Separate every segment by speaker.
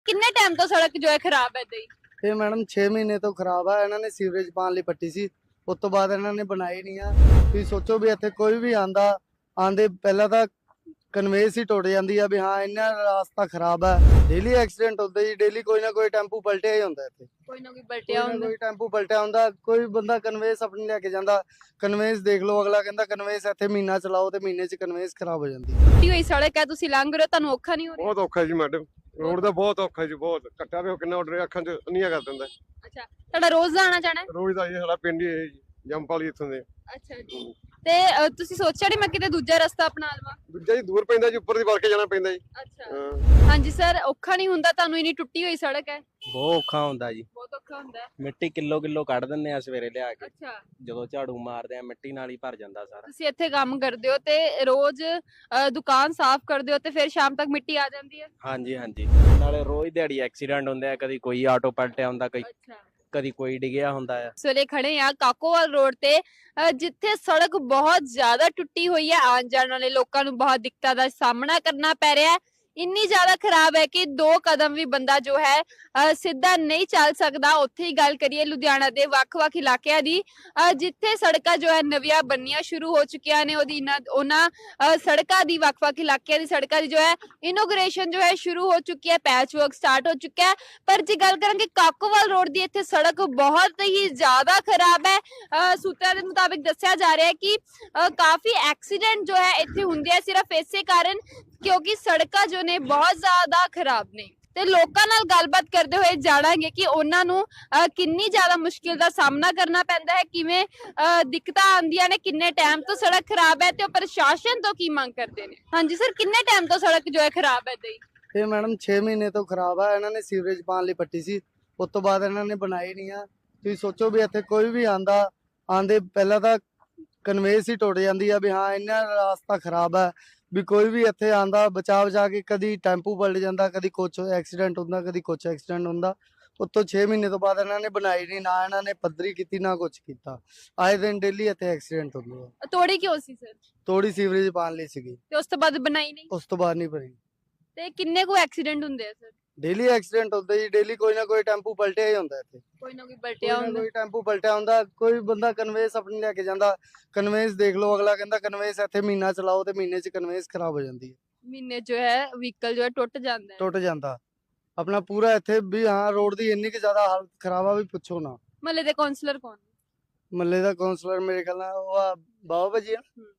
Speaker 1: ਕਿੰਨੇ ਟਾਈਮ ਤੋਂ ਸੜਕ ਜੋ ਹੈ ਖਰਾਬ ਹੈ ਏਦਾਂ ਹੀ?
Speaker 2: ਇਹ ਮੈਡਮ 6 ਮਹੀਨੇ ਤੋਂ ਖਰਾਬ ਆ। ਇਹਨਾਂ ਨੇ ਸੀਵਰੇਜ ਪਾਣ ਲਈ ਪੱਟੀ ਸੀ, ਉਸ ਤੋਂ ਬਾਅਦ ਇਹਨਾਂ ਨੇ ਬਣਾਈ ਨਹੀਂ ਆ। ਤੁਸੀਂ ਸੋਚੋ ਵੀ ਇੱਥੇ ਕੋਈ ਵੀ ਆਂਦੇ ਪਹਿਲਾਂ ਤਾਂ ਕਨਵੇਸ ਹੀ ਟੁੱਟ ਜਾਂਦੀ ਆ ਵੀ ਹਾਂ ਇੰਨਾ ਰਸਤਾ ਖਰਾਬ ਆ। ਡੇਲੀ ਐਕਸੀਡੈਂਟ ਹੁੰਦੇ ਜੀ, ਡੇਲੀ ਕੋਈ ਨਾ ਕੋਈ ਟੈਂਪੂ ਪਲਟਿਆ ਹੀ ਹੁੰਦਾ ਇੱਥੇ।
Speaker 1: ਕੋਈ ਨਾ ਕੋਈ ਬਲਟਿਆ ਹੁੰਦਾ।
Speaker 2: ਕੋਈ ਟੈਂਪੂ ਪਲਟਿਆ ਹੁੰਦਾ, ਕੋਈ ਬੰਦਾ ਕਨਵੇਸ ਆਪਣੀ ਲੈ ਕੇ ਜਾਂਦਾ। ਕਨਵੇਸ ਦੇਖ ਲਓ, ਅਗਲਾ ਕਹਿੰਦਾ ਕਨਵੇਸ ਇੱਥੇ ਮਹੀਨਾ ਚਲਾਓ ਤੇ ਮਹੀਨੇ 'ਚ ਕਨਵੇਸ ਖਰਾਬ ਹੋ ਜਾਂਦੀ।
Speaker 1: ਟੁੱਟੀ ਹੋਈ ਸੜਕ ਹੈ, ਤੁਸੀਂ ਲੰਘ ਰਹੇ ਹੋ, ਤੁਹਾਨੂੰ ਔਖਾ ਨਹੀਂ ਹੋ ਰਿਹਾ?
Speaker 3: ਬਹੁਤ ਔਖਾ ਜੀ ਮੈਡਮ, ਰੋਡ ਦਾ ਬਹੁਤ ਔਖਾ ਜੀ, ਬਹੁਤ ਕੱਟਿਆ ਵੇ ਕਿੰਨਾ ਆਰਡਰ ਅੱਖਾਂ 'ਚ ਅੰਨੀਆਂ ਕਰ ਦਿੰਦਾ।
Speaker 1: ਅੱਛਾ, ਤੁਹਾਡਾ ਰੋਜ਼ ਦਾ ਆਣਾ ਜਾਣਾ ਹੈ?
Speaker 3: ਰੋਜ਼ ਦਾ ਇਹ ਸਾਡਾ ਪਿੰਡ ਹੀ ਹੈ ਜੀ, ਜੰਮਪਾਲੀ ਇੱਥੋਂ ਦੇ।
Speaker 1: ਅੱਛਾ ਜੀ। ਤੇ ਤੁਸੀਂ ਸੋਚਿਆ ਨਹੀਂ ਮੈਂ ਕਿਤੇ ਦੂਜਾ ਰਸਤਾ ਅਪਣਾ ਲਵਾਂ?
Speaker 3: ਦੂਜਾ ਜੀ ਦੂਰ ਪੈਂਦਾ ਜੀ, ਉੱਪਰ ਦੀ ਵੜ ਕੇ ਜਾਣਾ ਪੈਂਦਾ ਜੀ।
Speaker 1: ਅੱਛਾ,
Speaker 3: ਹਾਂ।
Speaker 1: ਹਾਂਜੀ ਸਰ, ਔਖਾ ਨਹੀਂ ਹੁੰਦਾ ਤੁਹਾਨੂੰ? ਇੰਨੀ ਟੁੱਟੀ ਹੋਈ ਸੜਕ ਹੈ।
Speaker 4: ਬਹੁਤ ਔਖਾ ਹੁੰਦਾ ਜੀ।
Speaker 1: ਬਹੁਤ ਔਖਾ ਹੁੰਦਾ ਹੈ।
Speaker 4: ਮਿੱਟੀ ਕਿਲੋ ਕਿਲੋ ਕੱਢ ਦਿੰਦੇ ਆ ਸਵੇਰੇ ਲਿਆ ਕੇ,
Speaker 1: ਅੱਛਾ,
Speaker 4: ਜਦੋਂ ਝਾੜੂ ਮਾਰਦੇ ਆ ਮਿੱਟੀ ਨਾਲ ਹੀ ਭਰ ਜਾਂਦਾ ਸਾਰਾ।
Speaker 1: ਤੁਸੀਂ ਇੱਥੇ ਕੰਮ ਕਰਦੇ ਹੋ ਤੇ ਰੋਜ਼ ਦੁਕਾਨ ਸਾਫ਼ ਕਰਦੇ ਹੋ ਤੇ ਫਿਰ ਸ਼ਾਮ ਤੱਕ ਮਿੱਟੀ ਆ ਜਾਂਦੀ ਹੈ?
Speaker 4: ਹਾਂਜੀ ਹਾਂਜੀ, ਨਾਲੇ ਰੋਜ਼ ਦਿਹਾੜੀ ਐਕਸੀਡੈਂਟ ਹੁੰਦੇ ਆ, ਕਦੀ ਕੋਈ ਆਟੋ ਪਲਟਿਆ ਹੁੰਦਾ,
Speaker 1: ਅੱਛਾ,
Speaker 4: ਕਦੀ ਕੋਈ ਡਿੱਗਿਆ ਹੁੰਦਾ ਆ।
Speaker 1: ਇਸ ਵੇਲੇ ਖੜੇ ਆ ਕਾਕੋਵਾਲ ਰੋਡ ਤੇ, ਜਿੱਥੇ ਸੜਕ ਬਹੁਤ ਜ਼ਿਆਦਾ ਟੁੱਟੀ ਹੋਈ ਹੈ। ਆਉਣ ਜਾਣ ਵਾਲੇ ਲੋਕਾਂ ਨੂੰ ਬਹੁਤ ਦਿੱਕਤਾਂ ਦਾ ਸਾਹਮਣਾ ਕਰਨਾ ਪੈ ਰਿਹਾ ਹੈ। ਇੰਨੀ ਜ਼ਿਆਦਾ ਖਰਾਬ ਹੈ ਕਿ 2 ਕਦਮ ਵੀ ਬੰਦਾ ਜੋ ਹੈ ਸਿੱਧਾ ਨਹੀਂ ਚੱਲ ਸਕਦਾ। ਉੱਥੇ ਹੀ ਗੱਲ ਕਰੀਏ ਲੁਧਿਆਣਾ ਦੇ ਵੱਖ-ਵੱਖ ਇਲਾਕਿਆਂ ਦੀ, ਜਿੱਥੇ ਸੜਕਾਂ ਜੋ ਹੈ ਨਵੀਆਂ ਬਣਨੀਆਂ ਸ਼ੁਰੂ ਹੋ ਚੁੱਕੀਆਂ ਨੇ। ਉਹਨਾਂ ਸੜਕਾਂ ਦੀ, ਵੱਖ-ਵੱਖ ਇਲਾਕਿਆਂ ਦੀ ਸੜਕਾਂ ਦੀ ਜੋ ਹੈ ਇਨੋਗ੍ਰੇਸ਼ਨ ਜੋ ਹੈ ਸ਼ੁਰੂ ਹੋ ਚੁੱਕੀ ਹੈ, ਪੈਚ ਵਰਕ ਸਟਾਰਟ ਹੋ ਚੁੱਕਾ ਹੈ। ਪਰ ਜੇ ਗੱਲ ਕਰਾਂਗੇ ਕਾਕੋਵਾਲ ਰੋਡ ਦੀ, ਇੱਥੇ ਸੜਕ ਬਹੁਤ ਹੀ ਜ਼ਿਆਦਾ ਖਰਾਬ ਹੈ। ਸੂਤਰਾਂ ਦੇ ਮੁਤਾਬਿਕ ਦੱਸਿਆ ਜਾ ਰਿਹਾ ਹੈ ਕਿ ਕਾਫੀ ਐਕਸੀਡੈਂਟ ਜੋ ਹੈ ਇੱਥੇ ਹੁੰਦੇ ਆ ਸਿਰਫ ਇਸੇ ਕਾਰਨ ਕਿਉਂਕਿ ਸੜਕਾਂ ਜੋ ਨੇ ਬਹੁਤ ਜ਼ਿਆਦਾ ਖਰਾਬ ਨੇ। ਤੇ ਲੋਕਾਂ ਨਾਲ ਗੱਲਬਾਤ ਕਰਦੇ ਹੋਏ ਜਾਣਾਂਗੇ ਕਿ ਉਹਨਾਂ ਨੂੰ ਕਿੰਨੀ ਜ਼ਿਆਦਾ ਮੁਸ਼ਕਿਲ ਦਾ ਸਾਹਮਣਾ ਕਰਨਾ ਪੈਂਦਾ ਹੈ, ਕਿਵੇਂ ਦਿੱਕਤਾਂ ਆਉਂਦੀਆਂ ਨੇ, ਕਿੰਨੇ ਟਾਈਮ ਤੋਂ ਸੜਕ ਖਰਾਬ ਹੈ ਤੇ ਉਹ ਪ੍ਰਸ਼ਾਸਨ ਤੋਂ ਕੀ ਮੰਗ ਕਰਦੇ ਨੇ। ਹਾਂਜੀ ਸਰ, ਕਿੰਨੇ ਟਾਈਮ ਤੋਂ ਸੜਕ ਜੋ ਹੈ ਖਰਾਬ ਹੈ ਏਦਾਂ ਹੀ?
Speaker 2: ਇਹ ਮੈਡਮ 6 ਮਹੀਨੇ ਤੋਂ ਖਰਾਬ ਆ। ਇਹਨਾਂ ਨੇ ਸੀਵਰੇਜ ਪਾਣ ਲਈ ਪੱਟੀ ਸੀ, ਉਸ ਤੋਂ ਬਾਅਦ ਇਹਨਾਂ ਨੇ ਬਣਾਈ ਨਹੀਂ ਆ। ਤੁਸੀਂ ਸੋਚੋ ਵੀ ਇੱਥੇ ਕੋਈ ਵੀ ਆਂਦੇ ਪਹਿਲਾਂ ਤਾਂ ਕਨਵੇਸ ਹੀ ਟੁੱਟ ਜਾਂਦੀ ਆ ਵੀ ਹਾਂ ਇੰਨਾ ਰਸਤਾ ਖਰਾਬ ਆ ਵੀ ਕੋਈ ਵੀ ਇੱਥੇ ਆਂਦਾ ਬਚਾ ਕੇ ਕਦੀ ਟੈਂਪੂ ਪਲਟ ਜਾਂਦਾ, ਕਦੀ ਕੁਛ ਐਕਸੀਡੈਂਟ ਹੁੰਦਾ, ਕਦੀ ਕੁਛ ਐਕਸੀਡੈਂਟ ਹੁੰਦਾ। ਉੱਤੋਂ 6 ਮਹੀਨੇ ਤੋਂ ਬਾਅਦ ਇਹਨਾਂ ਨੇ ਬਣਾਈ ਨਹੀਂ, ਨਾ ਇਹਨਾਂ ਨੇ ਪੱਧਰੀ ਕੀਤੀ, ਨਾ ਕੁਛ ਕੀਤਾ। ਆਏ ਦਿਨ ਡੇਲੀ ਇੱਥੇ ਐਕਸੀਡੈਂਟ ਹੁੰਦੇ ਆ।
Speaker 1: ਤੋੜੀ ਕਿਉਂ ਸੀ ਸਰ?
Speaker 2: ਥੋੜੀ ਸੀਵਰੇਜ ਪਾਣ ਲਈ ਸੀਗੀ,
Speaker 1: ਤੇ ਉਸ ਤੋਂ ਬਾਅਦ ਬਣਾਈ ਨਹੀਂ?
Speaker 2: ਉਸ ਤੋਂ ਬਾਅਦ ਨਹੀਂ ਭਰੀ।
Speaker 1: ਤੇ ਕਿੰਨੇ ਕੁ ਐਕਸੀਡੈਂਟ ਹੁੰਦੇ ਆ ਸਰ?
Speaker 2: ਡੇਲੀ ਐਕਸੀਡੈਂਟ ਹੁੰਦੇ ਜੀ, ਡੇਲੀ ਕੋਈ ਨਾ ਕੋਈ ਟੈਂਪੂ ਪਲਟਿਆ ਹੀ ਹੁੰਦਾ ਇੱਥੇ।
Speaker 1: ਕੋਈ ਨਾ ਕੋਈ ਬਲਟਿਆ ਹੁੰਦਾ।
Speaker 2: ਕੋਈ ਟੈਂਪੂ ਪਲਟਿਆ ਹੁੰਦਾ, ਕੋਈ ਬੰਦਾ ਕਨਵੇਸ ਆਪਣੀ ਲੈ ਕੇ ਜਾਂਦਾ। ਕਨਵੇਸ ਦੇਖ ਲਓ, ਅਗਲਾ ਕਹਿੰਦਾ ਕਨਵੇਸ ਇੱਥੇ ਮਹੀਨਾ ਚਲਾਓ ਤੇ ਮਹੀਨੇ 'ਚ ਕਨਵੇਸ ਖਰਾਬ ਹੋ ਜਾਂਦੀ ਹੈ।
Speaker 1: ਮਹੀਨੇ ਜੋ ਹੈ ਵਹੀਕਲ ਜੋ ਹੈ ਟੁੱਟ ਜਾਂਦਾ ਹੈ।
Speaker 2: ਟੁੱਟ ਜਾਂਦਾ ਆਪਣਾ ਪੂਰਾ ਇੱਥੇ ਵੀ। ਹਾਂ, ਰੋਡ ਦੀ ਇੰਨੀ ਕਿ ਜ਼ਿਆਦਾ ਹਾਲਤ ਖਰਾਬ ਆ ਵੀ ਪੁੱਛੋ ਨਾ।
Speaker 1: ਮਹੱਲੇ ਦੇ ਕਾਉਂਸਲਰ ਕੌਣ?
Speaker 2: ਮੱਲੇ ਦਾ ਕਾਉਂਸਲਰ ਮੇਰੇ ਖਿਆਲ ਨਾਲ ਉਹ ਆ ਬਾਬਾ ਭਾਜੀ ਆ।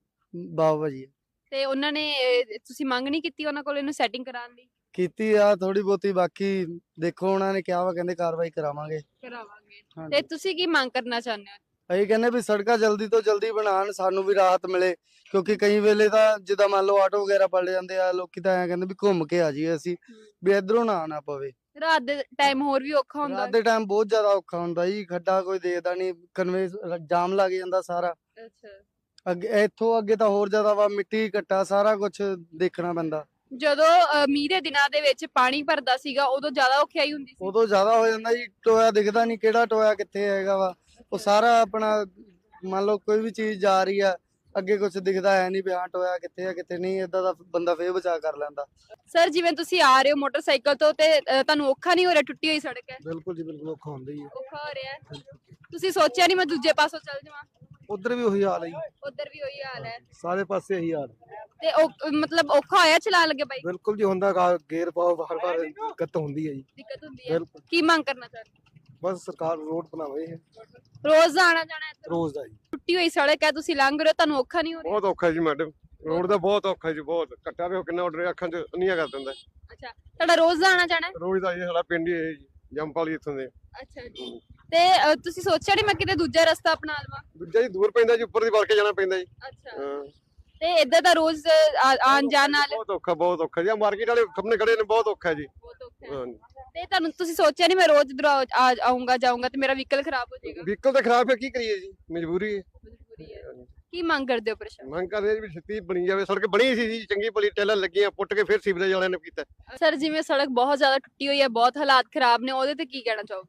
Speaker 2: ਬਾਬਾ ਭਾਜੀ ਆ।
Speaker 1: ਤੇ ਉਹਨਾਂ ਨੇ ਤੁਸੀਂ ਮੰਗ ਨਹੀਂ ਕੀਤੀ ਉਹਨਾਂ ਕੋਲ ਇਹਨੂੰ ਸੈਟਿੰਗ ਕਰਾਉਣ ਦੀ?
Speaker 2: ਕੀਤੀ ਆ ਥੋੜੀ ਬਹੁਤੀ, ਬਾਕੀ ਦੇਖੋ ਉਹਨਾਂ ਨੇ ਕਿਹਾ ਵਾ, ਕਹਿੰਦੇ ਕਾਰਵਾਈ ਕਰਾਵਾਂਗੇ।
Speaker 1: ਕਰਾਵਾਂਗੇ। ਤੇ
Speaker 2: ਹਾਂਜੀ,
Speaker 1: ਤੁਸੀਂ ਕੀ ਮੰਗ ਕਰਨਾ ਚਾਹੁੰਦੇ ਹੋ?
Speaker 2: ਅਸੀਂ ਕਹਿੰਦੇ ਵੀ ਸੜਕਾਂ ਜਲਦੀ ਤੋਂ ਜਲਦੀ ਬਣਾਉਣ, ਸਾਨੂੰ ਵੀ ਰਾਹਤ ਮਿਲੇ। ਕਿਉਂਕਿ ਕਈ ਵੇਲੇ ਤਾਂ ਜਿੱਦਾਂ ਮੰਨ ਲਓ ਆਟੋ ਵਗੈਰਾ ਪਲਟ ਜਾਂਦੇ ਆ, ਲੋਕੀ ਤਾਂ ਐਂ ਕਹਿੰਦੇ ਵੀ ਘੁੰਮ ਕੇ ਆ ਜਾਈਏ ਅਸੀਂ, ਵੀ ਇਧਰੋਂ ਨਾ ਆਣਾ ਪਵੇ।
Speaker 1: ਰਾਤ ਦੇ ਟਾਈਮ ਹੋਰ ਵੀ ਔਖਾ ਹੁੰਦਾ।
Speaker 2: ਰਾਤ ਦੇ ਟਾਈਮ ਬਹੁਤ ਜ਼ਿਆਦਾ ਔਖਾ ਹੁੰਦਾ ਜੀ, ਖੱਡਾ ਕੋਈ ਦੇਖਦਾ ਨਹੀਂ, ਕਨਵੇ ਜਾਮ ਲੱਗ ਜਾਂਦਾ ਸਾਰਾ।
Speaker 1: ਅੱਛਾ,
Speaker 2: ਅੱਗੇ ਇੱਥੋਂ ਅੱਗੇ ਤਾਂ ਹੋਰ ਜ਼ਿਆਦਾ ਵਾ, ਮਿੱਟੀ ਘੱਟਾ ਸਾਰਾ ਕੁਝ ਦੇਖਣਾ ਪੈਂਦਾ।
Speaker 1: ਜਦੋਂ ਮੀਂਹ ਦੇ ਦਿਨਾਂ ਦੇ ਵਿੱਚ ਪਾਣੀ ਭਰਦਾ ਸੀਗਾ ਉਦੋਂ ਜ਼ਿਆਦਾ ਔਖਿਆਈ ਹੁੰਦੀ ਸੀ?
Speaker 2: ਉਦੋਂ ਜ਼ਿਆਦਾ ਹੋ ਜਾਂਦਾ ਜੀ, ਟੋਇਆ ਦਿਖਦਾ ਨਹੀਂ ਕਿਹੜਾ ਟੋਇਆ ਕਿੱਥੇ ਹੈਗਾ ਵਾ। ਉਹ ਸਾਰਾ ਆਪਣਾ ਮੰਨ ਲਓ ਕੋਈ ਵੀ ਚੀਜ਼ ਜਾ ਰਹੀ ਆ, ਅੱਗੇ ਕੁਝ ਦਿਖਦਾ ਹੈ ਨਹੀਂ ਵੀ ਹਾਂ ਟੋਇਆ ਕਿੱਥੇ ਆ ਕਿੱਥੇ ਨਹੀਂ। ਏਦਾਂ ਦਾ ਬੰਦਾ ਫੇਰ ਬਚਾ ਕਰ ਲੈਂਦਾ।
Speaker 1: ਸਰ, ਜਿਵੇਂ ਤੁਸੀਂ ਆ ਰਹੇ ਹੋ ਮੋਟਰਸਾਈਕਲ ਤੋਂ ਤੇ ਤੁਹਾਨੂੰ ਔਖਾ ਨਹੀਂ ਹੋ ਰਿਹਾ? ਟੁੱਟੀ ਹੋਈ ਸੜਕ ਹੈ,
Speaker 2: ਬਿਲਕੁਲ ਜੀ ਬਿਲਕੁਲ ਔਖਾ ਹੁੰਦਾ ਹੀ ਹੈ।
Speaker 1: ਔਖਾ ਹੋ ਰਿਹਾ ਹੈ। ਤੁਸੀਂ ਸੋਚਿਆ ਨਹੀਂ ਮੈਂ ਦੂਜੇ ਪਾਸੋਂ ਚੱਲ ਜਾਵਾਂ?
Speaker 2: ਉਧਰ ਵੀ ਉਹੀ ਹਾਲ ਹੈ ਜੀ,
Speaker 1: ਉਧਰ ਵੀ ਉਹੀ ਹਾਲ ਹੈ
Speaker 2: ਸਾਰੇ ਪਾਸੇ ਇਹੀ ਹਾਲ।
Speaker 1: ਤੇ ਮਤਲਬ ਔਖਾ ਹੋਇਆ ਚਲਾਉਣ ਲੱਗੇ ਬਾਈਕ?
Speaker 2: ਬਿਲਕੁਲ ਜੀ ਹੁੰਦਾ, ਗੇਅਰ ਪਾਓ ਬਾਰ ਬਾਰ ਦਿੱਕਤ ਹੁੰਦੀ ਹੈ ਜੀ।
Speaker 1: ਦਿੱਕਤ ਹੁੰਦੀ ਹੈ। ਕੀ ਮੰਗ ਕਰਨਾ ਚਾਹੁੰਦੇ?
Speaker 2: ਬਸ ਸਰਕਾਰ ਰੋਡ ਬਣਾਵੇ
Speaker 1: ਰੋਜ਼ ਦਾ ਆਣਾ ਜਾਣਾ ਇੱਧਰ?
Speaker 2: ਰੋਜ਼ ਦਾ ਜੀ।
Speaker 1: ਟੁੱਟੀ ਹੋਈ ਸੜਕ ਹੈ, ਤੁਸੀਂ ਲੰਘ ਰਹੇ ਹੋ, ਤੁਹਾਨੂੰ ਔਖਾ ਨਹੀਂ ਹੋ ਰਿਹਾ?
Speaker 3: ਬਹੁਤ ਔਖਾ ਜੀ ਮੈਡਮ, ਰੋਡ ਦਾ ਬਹੁਤ ਔਖਾ ਜੀ, ਬਹੁਤ ਕੱਟਿਆ ਵੇ ਕਿੰਨਾ ਆਰਡਰ ਅੱਖਾਂ 'ਚ ਅੰਨੀਆਂ ਕਰ ਦਿੰਦਾ।
Speaker 1: ਅੱਛਾ, ਤੁਹਾਡਾ ਰੋਜ਼ ਦਾ ਆਣਾ ਜਾਣਾ ਹੈ?
Speaker 3: ਰੋਜ਼ ਦਾ ਇਹ ਸਾਡਾ ਪਿੰਡ ਹੀ ਹੈ ਜੀ, ਜੰਮਪਾਲੀ ਇੱਥੋਂ ਦੇ।
Speaker 1: ਅੱਛਾ ਜੀ। ਤੇ ਤੁਸੀਂ ਸੋਚਿਆ ਨਹੀਂ ਮੈਂ ਕਿਤੇ ਦੂਜਾ ਰਸਤਾ ਅਪਣਾ ਲਵਾਂ?
Speaker 3: ਦੂਜਾ ਜੀ ਦੂਰ ਪੈਂਦਾ ਜੀ, ਉੱਪਰ ਦੀ ਵੜ ਕੇ ਜਾਣਾ ਪੈਂਦਾ ਜੀ।
Speaker 1: ਅੱਛਾ,
Speaker 3: ਹਾਂ।
Speaker 1: ਤੇ ਇੱਧਰ ਦਾ ਰੋਜ਼ ਆਉਣ ਜਾਣ ਨਾਲ
Speaker 3: ਬਹੁਤ ਔਖਾ ਜੀ। ਮਾਰਕੀਟ ਵਾਲੇ ਸਾਹਮਣੇ ਖੜੇ ਨੇ, ਬਹੁਤ ਔਖਾ ਜੀ।
Speaker 1: ਬਹੁਤ ਔਖਾ ਹੈ।
Speaker 3: ਹਾਂਜੀ।
Speaker 1: ਤੇ ਤੁਸੀਂ ਸੋਚਿਆ ਨਹੀਂ ਮੈਂ ਰੋਜ਼ ਇੱਧਰ ਆਉਂਗਾ ਜਾਊਂਗਾ ਤੇ ਮੇਰਾ ਵਹੀਕਲ ਖਰਾਬ ਹੋ ਜਾਏਗਾ?
Speaker 3: ਵਹੀਕਲ ਤਾਂ ਖਰਾਬ ਹੈ, ਕੀ ਕਰੀਏ ਜੀ, ਮਜਬੂਰੀ ਹੈ।
Speaker 1: ਮਜਬੂਰੀ ਹੈ। ਕੀ ਮੰਗ ਕਰਦੇ ਹੋ ਪ੍ਰਸ਼ਾਸਨ?
Speaker 3: ਮੰਗ ਕਰਦੇ ਜੀ ਵੀ ਛੇਤੀ ਬਣੀ ਜਾਵੇ ਸੜਕ। ਬਣੀ ਸੀ ਜੀ ਚੰਗੀ ਭਲੀ, ਟੈਲਾਂ ਲੱਗੀਆਂ, ਪੁੱਟ ਕੇ ਫਿਰ ਸੀਵਰੇਜ ਵਾਲਿਆਂ ਨੇ ਕੀਤਾ।
Speaker 1: ਸਰ, ਜਿਵੇਂ ਸੜਕ ਬਹੁਤ ਜ਼ਿਆਦਾ ਟੁੱਟੀ ਹੋਈ ਹੈ, ਬਹੁਤ ਹਾਲਾਤ ਖਰਾਬ ਨੇ, ਉਹਦੇ ਤੇ ਕੀ ਕਹਿਣਾ ਚਾਹੋਗੇ?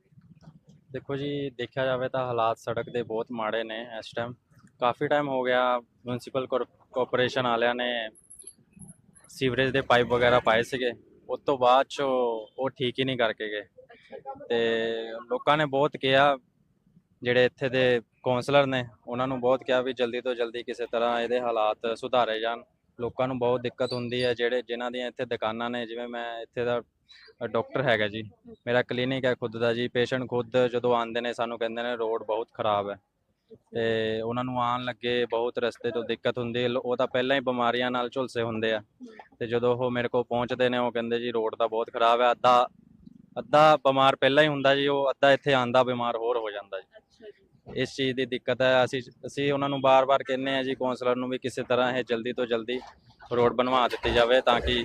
Speaker 4: ਦੇਖੋ ਜੀ, ਦੇਖਿਆ ਜਾਵੇ ਤਾਂ ਹਾਲਾਤ ਸੜਕ ਦੇ ਬਹੁਤ ਮਾੜੇ ਨੇ ਇਸ ਟਾਈਮ। ਕਾਫੀ ਟਾਈਮ ਹੋ ਗਿਆ, ਮਿਊਨਿਸਪਲ ਕਾਰਪੋਰੇਸ਼ਨ ਵਾਲਿਆਂ ਨੇ ਸੀਵਰੇਜ ਦੇ ਪਾਈਪ ਵਗੈਰਾ ਪਾਏ ਸੀਗੇ, ਉਸ ਤੋਂ ਬਾਅਦ 'ਚੋਂ ਉਹ ਠੀਕ ਹੀ ਨਹੀਂ ਕਰਕੇ ਗਏ। ਤੇ ਲੋਕਾਂ ਨੇ ਬਹੁਤ ਕਿਹਾ, ਜਿਹੜੇ ਇੱਥੇ ਦੇ ਕੌਂਸਲਰ ਨੇ ਉਹਨਾਂ ਨੂੰ ਬਹੁਤ ਕਿਹਾ ਵੀ ਜਲਦੀ ਤੋਂ ਜਲਦੀ ਕਿਸੇ ਤਰ੍ਹਾਂ ਇਹਦੇ ਹਾਲਾਤ ਸੁਧਾਰੇ ਜਾਣ। ਲੋਕਾਂ ਨੂੰ ਬਹੁਤ ਦਿੱਕਤ ਹੁੰਦੀ ਹੈ, ਜਿਨ੍ਹਾਂ ਦੀਆਂ ਇੱਥੇ ਦੁਕਾਨਾਂ ਨੇ। ਜਿਵੇਂ ਮੈਂ ਇੱਥੇ ਦਾ ਡਾਕਟਰ ਹੈਗਾ ਜੀ, ਮੇਰਾ ਕਲੀਨਿਕ ਹੈ ਖੁਦ ਦਾ ਜੀ। ਪੇਸ਼ੈਂਟ ਖੁਦ ਜਦੋਂ ਆਉਂਦੇ ਨੇ ਸਾਨੂੰ ਕਹਿੰਦੇ ਨੇ ਰੋਡ ਬਹੁਤ ਖਰਾਬ ਹੈ, ਤੇ ਉਹਨਾਂ ਨੂੰ ਆਉਣ ਲੱਗੇ ਬਹੁਤ ਰਸਤੇ ਤੋਂ ਦਿੱਕਤ ਹੁੰਦੀ ਹੈ। ਉਹ ਤਾਂ ਪਹਿਲਾਂ ਹੀ ਬਿਮਾਰੀਆਂ ਨਾਲ ਝੁਲਸੇ ਹੁੰਦੇ ਆ, ਤੇ ਜਦੋਂ ਉਹ ਮੇਰੇ ਕੋਲ ਪਹੁੰਚਦੇ ਨੇ ਉਹ ਕਹਿੰਦੇ ਜੀ ਰੋਡ ਤਾਂ ਬਹੁਤ ਖਰਾਬ ਹੈ। ਅੱਧਾ ਬਿਮਾਰ ਪਹਿਲਾਂ ਹੀ ਹੁੰਦਾ ਜੀ, ਉਹ ਅੱਧਾ ਇੱਥੇ ਆਂਦਾ ਬਿਮਾਰ ਹੋਰ ਹੋ ਜਾਂਦਾ ਜੀ। ਇਸ ਚੀਜ਼ ਦੀ ਦਿੱਕਤ ਹੈ। ਅਸੀਂ ਉਹਨਾਂ ਨੂੰ ਬਾਰ-ਬਾਰ ਕਹਿੰਦੇ ਆ ਜੀ, ਕੌਂਸਲਰ ਨੂੰ, ਵੀ ਕਿਸੇ ਤਰ੍ਹਾਂ ਇਹ ਜਲਦੀ ਤੋਂ ਜਲਦੀ ਰੋਡ ਬਣਵਾ ਦਿੱਤੀ ਜਾਵੇ ਤਾਂ ਕਿ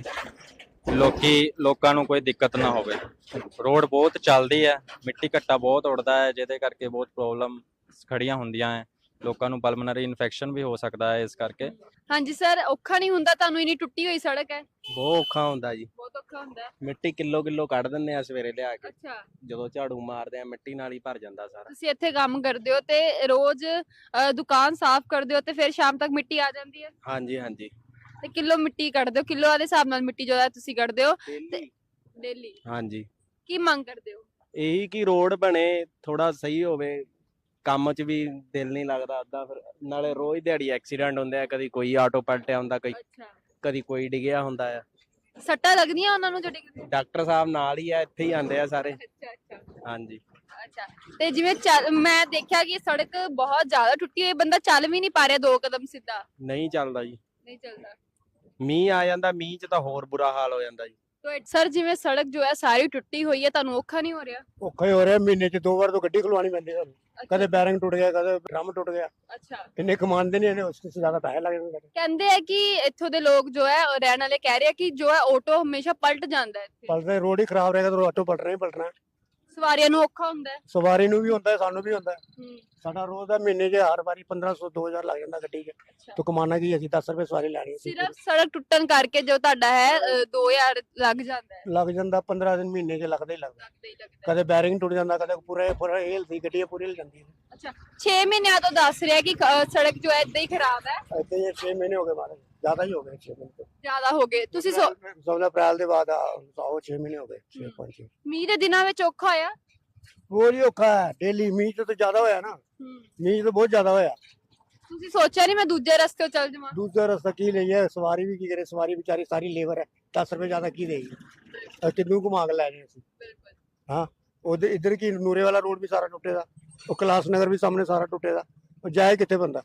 Speaker 4: ਲੋਕਾਂ ਨੂੰ ਕੋਈ ਦਿੱਕਤ ਨਾ ਹੋਵੇ। ਰੋਡ ਬਹੁਤ ਚੱਲਦੀ ਹੈ, ਮਿੱਟੀ ਘੱਟਾ ਬਹੁਤ ਉੱਡਦਾ ਹੈ, ਜਿਹਦੇ ਕਰਕੇ ਬਹੁਤ ਪ੍ਰੋਬਲਮ ਖੜੀਆਂ ਹੁੰਦੀਆਂ ਹੈ। ਲੋਕਾਂ ਨੂੰ ਪਲਮਨਰੀ ਇਨਫੈਕਸ਼ਨ ਵੀ ਹੋ ਸਕਦਾ ਹੈ ਇਸ ਕਰਕੇ।
Speaker 1: ਹਾਂਜੀ ਸਰ, ਔਖਾ ਨਹੀਂ ਹੁੰਦਾ ਤੁਹਾਨੂੰ? ਇੰਨੀ ਟੁੱਟੀ ਹੋਈ ਸੜਕ ਹੈ।
Speaker 5: ਬਹੁਤ ਔਖਾ ਹੁੰਦਾ ਜੀ।
Speaker 1: ਬਹੁਤ ਔਖਾ ਹੁੰਦਾ ਹੈ।
Speaker 5: ਮਿੱਟੀ ਕਿਲੋ ਕੱਢ ਦਿੰਦੇ ਆ ਸਵੇਰੇ ਲਿਆ ਕੇ,
Speaker 1: ਅੱਛਾ,
Speaker 5: ਜਦੋਂ ਝਾੜੂ ਮਾਰਦੇ ਆ ਮਿੱਟੀ ਨਾਲ ਹੀ ਭਰ ਜਾਂਦਾ ਸਾਰਾ।
Speaker 1: ਤੁਸੀਂ ਇੱਥੇ ਕੰਮ ਕਰਦੇ ਹੋ ਤੇ ਰੋਜ਼ ਦੁਕਾਨ ਸਾਫ਼ ਕਰਦੇ ਹੋ ਤੇ ਫਿਰ ਸ਼ਾਮ ਤੱਕ ਮਿੱਟੀ ਆ ਜਾਂਦੀ ਹੈ?
Speaker 5: ਹਾਂਜੀ ਹਾਂਜੀ,
Speaker 1: ਤੇ ਕਿਲੋ ਮਿੱਟੀ ਕੱਢਦੇ ਹੋ? ਕਿਲੋ ਦੇ ਹਿਸਾਬ ਨਾਲ ਮਿੱਟੀ ਜੋ ਹੈ ਤੁਸੀਂ ਕੱਢਦੇ ਹੋ
Speaker 5: ਡੇਲੀ।
Speaker 1: ਡੇਲੀ?
Speaker 5: ਹਾਂਜੀ,
Speaker 1: ਕੀ ਮੰਗ ਕਰਦੇ ਹੋ?
Speaker 5: ਇਹੀ ਕਿ ਰੋਡ ਬਣੇ, ਥੋੜਾ ਸਹੀ ਹੋਵੇ। ਕੰਮ 'ਚ ਵੀ ਦਿਲ ਨਹੀਂ ਲੱਗਦਾ ਅੱਧਾ, ਫਿਰ ਨਾਲੇ ਰੋਜ਼ ਦਿਹਾੜੀ ਐਕਸੀਡੈਂਟ ਹੁੰਦੇ ਆ। ਕਦੀ ਕੋਈ ਆਟੋ ਪਲਟਿਆ ਹੁੰਦਾ,
Speaker 1: ਅੱਛਾ,
Speaker 5: ਕਦੀ ਕੋਈ ਡਿੱਗਿਆ ਹੁੰਦਾ ਆ।
Speaker 1: ਸੱਟਾਂ ਲੱਗਦੀਆਂ ਉਹਨਾਂ ਨੂੰ ਜਿਹੜੀ?
Speaker 5: ਡਾਕਟਰ ਸਾਹਿਬ ਨਾਲ ਹੀ ਆ, ਇੱਥੇ ਹੀ ਆਉਂਦੇ ਆ ਸਾਰੇ।
Speaker 1: ਅੱਛਾ ਅੱਛਾ
Speaker 5: ਹਾਂਜੀ,
Speaker 1: ਅੱਛਾ। ਤੇ ਜਿਵੇਂ ਮੈਂ ਦੇਖਿਆ ਕਿ ਸੜਕ ਬਹੁਤ ਜ਼ਿਆਦਾ ਟੁੱਟੀ ਹੋਈ, ਬੰਦਾ ਚੱਲ ਵੀ ਨਹੀਂ ਪਾ ਰਿਹਾ 2 ਕਦਮ ਸਿੱਧਾ।
Speaker 5: ਨਹੀਂ ਚੱਲਦਾ ਜੀ।
Speaker 1: ਨਹੀਂ ਚੱਲਦਾ।
Speaker 5: ਮੀਂਹ ਆ ਜਾਂਦਾ, ਮੀਂਹ 'ਚ ਤਾਂ ਹੋਰ ਬੁਰਾ ਹਾਲ ਹੋ ਜਾਂਦਾ ਜੀ।
Speaker 1: ਤੇ ਸਰ ਜਿਵੇਂ ਸੜਕ ਜੋ ਹੈ ਸਾਰੀ ਟੁੱਟੀ ਹੋਈ ਹੈ, ਤੁਹਾਨੂੰ ਔਖਾ ਨਹੀਂ ਹੋ ਰਿਹਾ?
Speaker 6: ਔਖਾ ਹੀ ਹੋ ਰਿਹਾ। ਮਹੀਨੇ 'ਚ 2 ਵਾਰ ਤੋਂ ਗੱਡੀ ਖਲਵਾਉਣੀ ਪੈਂਦੀ ਸਾਨੂੰ। ਕਦੇ ਬੈਰਿੰਗ ਟੁੱਟ ਗਿਆ, ਕਦੇ ਡਰਮ ਟੁੱਟ ਗਿਆ।
Speaker 1: ਅੱਛਾ।
Speaker 6: ਇੰਨੇ ਕਮਾਉਂਦੇ ਨਹੀਂ, ਇਹਨੇ ਉਸ ਤੋਂ ਜ਼ਿਆਦਾ ਪੈਸੇ ਲੱਗ ਜਾਂਦੇ ਨੇ।
Speaker 1: ਕਹਿੰਦੇ ਆ ਕਿ ਇੱਥੋਂ ਦੇ ਲੋਕ ਜੋ ਹੈ ਉਹ ਰਹਿਣ ਵਾਲੇ ਕਹਿ ਰਹੇ ਆ ਕਿ ਜੋ ਹੈ ਆਟੋ ਹਮੇਸ਼ਾ ਪਲਟ ਜਾਂਦਾ ਹੈ ਇੱਥੇ।
Speaker 6: ਪਲਟਦੇ ਰੋਡ ਹੀ ਖਰਾਬ ਰਹੇਗਾ ਤਾਂ ਆਟੋ ਪਲਟਣਾ ਹੀ ਪਲਟਣਾ।
Speaker 1: ਸਵਾਰੀਆਂ ਨੂੰ ਔਖਾ ਹੁੰਦਾ ਹੈ।
Speaker 6: ਸਵਾਰੀ ਨੂੰ ਵੀ ਹੁੰਦਾ ਹੈ, ਸਾਨੂੰ ਵੀ ਹੁੰਦਾ ਹੈ।
Speaker 1: ਹੂੰ।
Speaker 6: ਸਾਡਾ ਰੋਜ਼ ਦਾ ਮਹੀਨੇ 'ਚ ਹਰ ਵਾਰੀ 1500 2000 ਲੱਗ ਜਾਂਦਾ ਗੱਡੀ 'ਚ। ਤਾਂ ਕਮਾਣਾ ਕੀ, ਅਸੀਂ 10 ਰੁਪਏ ਸਵਾਰੀ ਲੈਣੀ ਸੀ।
Speaker 1: ਸਿਰਫ ਸੜਕ ਟੁੱਟਣ ਕਰਕੇ ਜੋ ਤੁਹਾਡਾ ਹੈ 2000 ਲੱਗ ਜਾਂਦਾ ਹੈ।
Speaker 6: ਲੱਗ ਜਾਂਦਾ 15 ਦਿਨ, ਮਹੀਨੇ 'ਚ ਲੱਗਦਾ ਹੀ ਲੱਗਦਾ।
Speaker 1: ਲੱਗਦਾ ਹੀ ਲੱਗਦਾ ਹੈ।
Speaker 6: ਕਦੇ ਬੈਰਿੰਗ ਟੁੱਟ ਜਾਂਦਾ, ਕਦੇ ਪੂਰਾ ਹਿਲਦੀ ਗੱਡੀ ਪੂਰੀ ਹਿਲ ਜਾਂਦੀ ਹੈ।
Speaker 1: ਅੱਛਾ, 6 ਮਹੀਨਿਆਂ ਤੋਂ ਦੱਸ ਰਿਹਾ ਕਿ ਸੜਕ ਜੋ ਹੈ ਏਦਾਂ ਹੀ ਖਰਾਬ ਹੈ।
Speaker 6: ਇੱਥੇ 6 ਮਹੀਨੇ ਹੋ ਗਏ ਮਾਰੇ, ਜ਼ਿਆਦਾ ਹੀ ਹੋ ਗਏ 6 ਮਹੀਨੇ।
Speaker 1: ਜ਼ਿਆਦਾ ਹੋ ਗਏ ਤੁਸੀਂ?
Speaker 6: 16 ਅਪ੍ਰੈਲ ਦੇ ਬਾਅਦ ਆਓ 6 ਮਹੀਨੇ ਹੋ ਗਏ, 6-5।
Speaker 1: ਮੀਂਹ ਦੇ ਦਿਨਾਂ ਵਿੱਚ ਔਖਾ ਹੋਇਆ?
Speaker 6: ਬਹੁਤ ਹੀ ਔਖਾ ਹੈ ਡੇਲੀ। ਮੀਂਹ ਤੋਂ ਜ਼ਿਆਦਾ ਹੋਇਆ ਨਾ, ਮੀਂਹ ਤੋਂ ਬਹੁਤ ਜ਼ਿਆਦਾ ਹੋਇਆ।
Speaker 1: ਤੁਸੀਂ ਸੋਚਿਆ ਨਹੀਂ ਮੈਂ ਦੂਜੇ ਰਸਤੇ ਚੱਲ ਜਾਵਾਂ?
Speaker 6: ਦੂਜਾ ਰਸਤਾ ਕੀ ਲਈਏ, ਸਵਾਰੀ ਵੀ ਕੀ ਕਰੇ। ਸਵਾਰੀ ਵਿਚਾਰੀ ਸਾਰੀ ਲੇਬਰ ਹੈ, 10 ਰੁਪਏ ਜ਼ਿਆਦਾ ਕੀ ਦੇਗੀ। ਕਿੰਨੂ ਘੁਮਾ ਕੇ ਲੈ ਜਾਏ ਅਸੀਂ। ਹਾਂ, ਉਧਰ ਇੱਧਰ ਕੀ ਨੂਰੇ ਵਾਲਾ ਰੋਡ ਵੀ ਸਾਰਾ ਟੁੱਟੇ ਦਾ, ਉਹ ਕੈਲਾਸ਼ ਨਗਰ ਵੀ ਸਾਹਮਣੇ ਸਾਰਾ ਟੁੱਟੇ ਦਾ। ਉਹ ਜਾਏ ਕਿੱਥੇ ਬੰਦਾ?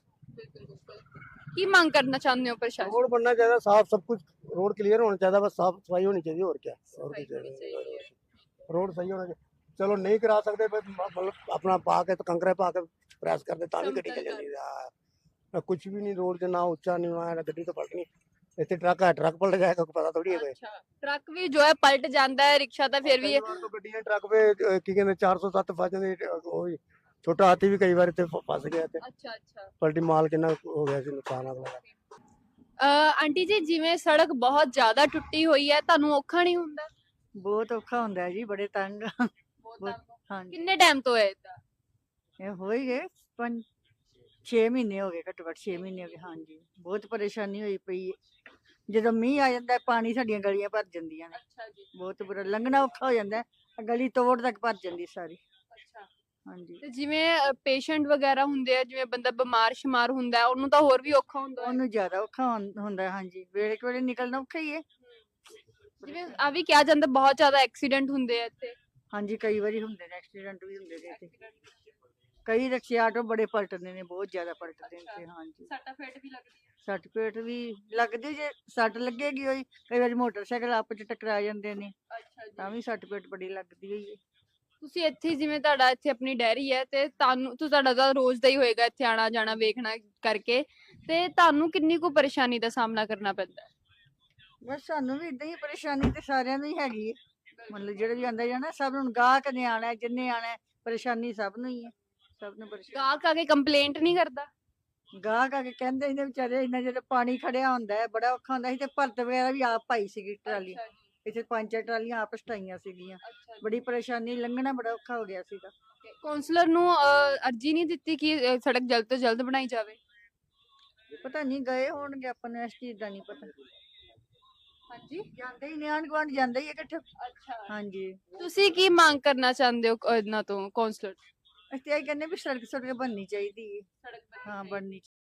Speaker 1: ਕੀ ਮੰਗ ਕਰਨਾ ਚਾਹੁੰਦੇ ਹੋ ਪ੍ਰਸ਼ਾਸਨ?
Speaker 6: रोड बनना चाहिए साफ, सब कुछ रोड क्लियर होना चाहिए, बस साफ सफाई होनी चाहिए। और क्या, और कुछ चाहिए? रोड सही होना चाहिए। चलो नहीं करा सकते, मतलब अपना पा के तो कंकरे पा के प्रेस कर दे, ताली गड्डी चल जाती है। कुछ भी नहीं, रोड से ना ऊंचा नहीं हुआ है, गड्डी तो पलटनी। ਇੱਥੇ ਟਰੱਕ ਹੈ, ਟਰੱਕ ਪਲਟ ਜਾਏਗਾ, ਕੋਈ ਪਤਾ ਥੋੜੀ ਹੈ।
Speaker 1: ਅੱਛਾ, ਟਰੱਕ ਵੀ ਜੋ ਹੈ ਪਲਟ ਜਾਂਦਾ ਹੈ, ਰਿਕਸ਼ਾ ਤਾਂ ਫਿਰ ਵੀ
Speaker 6: तो ਗੱਡੀਆਂ ਟਰੱਕ ਵੇ ਕੀ ਕਹਿੰਦੇ 407 ਫਸ ਜਾਂਦੇ। ਉਹ ਛੋਟਾ ਹਾਥੀ ਵੀ ਕਈ ਵਾਰ ਇੱਥੇ ਫਸ ਗਿਆ ਤੇ
Speaker 1: ਅੱਛਾ ਅੱਛਾ।
Speaker 6: ਪਲਟੀ ਮਾਲ ਕਿੰਨਾ ਹੋ ਗਿਆ ਸੀ ਨੁਕਸਾਨ ਅਗਲਾ।
Speaker 1: ਆਂਟੀ ਜੀ, ਜਿਵੇਂ ਸੜਕ ਬਹੁਤ ਜ਼ਿਆਦਾ ਟੁੱਟੀ ਹੋਈ ਹੈ, ਤੁਹਾਨੂੰ ਔਖਾ ਨਹੀਂ ਹੁੰਦਾ?
Speaker 7: ਬਹੁਤ ਔਖਾ ਹੁੰਦਾ ਹੈ ਜੀ, ਬੜੇ ਤੰਗ ਹਾਂ। ਹਾਂਜੀ,
Speaker 1: ਕਿੰਨੇ ਟਾਈਮ ਤੋਂ ਹੈ ਇਦਾਂ?
Speaker 7: ਇਹ ਹੋ ਹੀ ਗਏ 6 ਮਹੀਨੇ ਹੋ ਗਏ, ਘੱਟੋ ਘੱਟ 6 ਮਹੀਨੇ ਹੋ ਗਏ। ਹਾਂਜੀ, ਬਹੁਤ ਪਰੇਸ਼ਾਨੀ ਹੋਈ ਪਈ ਹੈ। ਜਦੋਂ ਮੀਂਹ ਆ ਜਾਂਦਾ ਪਾਣੀ ਸਾਡੀਆਂ ਗਲੀਆਂ ਭਰ ਜਾਂਦੀਆਂ ਨੇ।
Speaker 1: ਅੱਛਾ ਜੀ।
Speaker 7: ਬਹੁਤ ਬੁਰਾ, ਲੰਘਣਾ ਔਖਾ ਹੋ ਜਾਂਦਾ ਹੈ। ਗਲੀ ਤੋੜ ਤੱਕ ਭਰ ਜਾਂਦੀ ਸਾਰੀ।
Speaker 1: ਅੱਛਾ।
Speaker 7: ਹਾਂਜੀ,
Speaker 1: ਤੇ ਜਿਵੇਂ ਪੇਸ਼ੈਂਟ ਵਗੈਰਾ ਹੁੰਦੇ ਆ, ਜਿਵੇਂ ਬੰਦਾ ਬਿਮਾਰ ਸ਼ਿਮਾਰ ਹੁੰਦਾ ਹੈ, ਉਹਨੂੰ ਤਾਂ ਹੋਰ ਵੀ ਔਖਾ ਹੁੰਦਾ ਹੈ।
Speaker 7: ਉਹਨੂੰ ਜ਼ਿਆਦਾ ਔਖਾ ਹੁੰਦਾ ਹੈ। ਹਾਂਜੀ, ਵੇਲੇ ਵੇਲੇ ਨਿਕਲਣਾ ਔਖਾ ਹੀ ਹੈ।
Speaker 1: ਜਿਵੇਂ ਆ ਵੀ ਕਿਹਾ ਜਾਂਦਾ ਬਹੁਤ ਜ਼ਿਆਦਾ ਐਕਸੀਡੈਂਟ ਹੁੰਦੇ ਆ ਇੱਥੇ।
Speaker 7: ਹਾਂਜੀ, ਕਈ ਵਾਰੀ ਹੁੰਦੇ ਨੇ ਐਕਸੀਡੈਂਟ ਵੀ ਹੁੰਦੇ ਨੇ ਇੱਥੇ। ਕਈ ਰਿਕਸ਼ੇ ਆਟੋ ਬੜੇ ਪਲਟਦੇ ਨੇ, ਬਹੁਤ ਜ਼ਿਆਦਾ ਪਲਟਦੇ ਨੇ ਇੱਥੇ। ਹਾਂਜੀ,
Speaker 1: ਸੱਟਾਂ ਫੇਟ ਵੀ ਲੱਗਦੀ ਹੈ।
Speaker 7: ਸੱਟ ਪੇਟ ਵੀ ਲੱਗਦੀ, ਜੇ ਸੱਟ ਲੱਗੇਗੀ ਹੋਈ। ਕਈ ਵਾਰੀ ਮੋਟਰਸਾਈਕਲ ਆਪਸ ਚ ਟਕਰਾ ਜਾਂਦੇ ਨੇ,
Speaker 1: ਅੱਛਾ ਜੀ।
Speaker 7: ਤਾਂ ਵੀ ਸੱਟ ਪੇਟ ਬੜੀ ਲੱਗਦੀ ਹੋਈ ਹੈ।
Speaker 1: ਤੁਸੀਂ ਇੱਥੇ ਜਿਵੇਂ ਤੁਹਾਡਾ ਇੱਥੇ ਆਪਣੀ ਡੈਰੀ ਹੈ ਤੇ ਤੁਹਾਡਾ ਤਾਂ ਰੋਜ਼ ਦਾ ਹੀ ਹੋਏਗਾ ਇੱਥੇ ਆਣਾ ਜਾਣਾ ਵੇਖਣਾ ਕਰਕੇ, ਤੇ ਤੁਹਾਨੂੰ ਕਿੰਨੀ ਕੁ ਪਰੇਸ਼ਾਨੀ ਦਾ ਸਾਹਮਣਾ ਕਰਨਾ ਪੈਂਦਾ ਹੈ?
Speaker 7: ਬਸ ਸਾਨੂੰ ਵੀ ਇਦਾਂ ਹੀ ਪਰੇਸ਼ਾਨੀ ਤੇ ਸਾਰਿਆਂ ਨੂੰ ਹੀ ਹੈਗੀ ਹੈ। ਮਤਲਬ ਜਿਹੜੇ ਵੀ ਆਂਦਾ ਜਾਣਾ, ਸਭ ਨੂੰ ਗਾਹਕ ਨੇ ਆਣਾ, ਜਿੰਨੇ ਆਣਾ, ਪਰੇਸ਼ਾਨੀ ਸਭ ਨੂੰ ਹੀ ਹੈ। ਸਭ ਨੂੰ ਪਰੇਸ਼ਾਨੀ।
Speaker 1: ਗਾਹਕ ਆ ਕੇ ਕੰਪਲੇਂਟ ਨਹੀਂ ਕਰਦਾ?
Speaker 7: ਗਾਹਕ ਆ ਕੇ ਕਹਿੰਦੇ ਨੇ ਵਿਚਾਰੇ, ਇੰਨਾ ਜਦੋਂ ਪਾਣੀ ਖੜਿਆ ਹੁੰਦਾ ਹੈ ਬੜਾ ਔਖਾ ਹੁੰਦਾ ਸੀ। ਤੇ ਭਰਤ ਵਗੈਰਾ ਵੀ ਆਪ ਪਾਈ ਸੀਗੀ ਟਰਾਲੀ,
Speaker 1: ਅੱਛਾ ਜੀ।
Speaker 7: ਇੱਥੇ 5-4 ਟਰਾਲੀਆਂ ਆਪ ਸਟਾਈਆਂ ਸੀਗੀਆਂ।
Speaker 1: ਅੱਛਾ ਜੀ।
Speaker 7: ਬੜੀ ਪਰੇਸ਼ਾਨੀ, ਲੰਘਣਾ ਬੜਾ ਔਖਾ ਹੋ ਗਿਆ ਸੀਗਾ।
Speaker 1: ਕਾਉਂਸਲਰ ਨੂੰ ਅਰਜੀ ਨਹੀਂ ਦਿੱਤੀ ਕਿ ਸੜਕ ਜਲਦ ਤੋਂ ਜਲਦ ਬਣਾਈ ਜਾਵੇ?
Speaker 7: ਪਤਾ ਨਹੀਂ, ਗਏ ਹੋਣਗੇ, ਆਪਾਂ ਨੂੰ ਇਸ ਚੀਜ਼ ਦਾ ਨਹੀਂ ਪਤਾ।
Speaker 1: ਹਾਂਜੀ
Speaker 7: ਜਾਂਦੇ ਹੀ ਨੇ, ਆਂਢ ਗੁਆਂਢ ਜਾਂਦੇ ਹੀ ਆ ਇਕੱਠੇ।
Speaker 1: ਅੱਛਾ
Speaker 7: ਹਾਂਜੀ,
Speaker 1: ਤੁਸੀਂ ਕੀ ਮੰਗ ਕਰਨਾ ਚਾਹੁੰਦੇ ਹੋ ਇਹਨਾਂ ਤੋਂ, ਕੌਂਸਲਰ?
Speaker 7: ਅਸੀਂ ਤਾਂ ਇਹ ਕਹਿੰਦੇ ਵੀ ਸੜਕ ਬਣਨੀ ਚਾਹੀਦੀ ਹੈ।
Speaker 1: ਸੜਕ
Speaker 7: ਹਾਂ, ਬਣਨੀ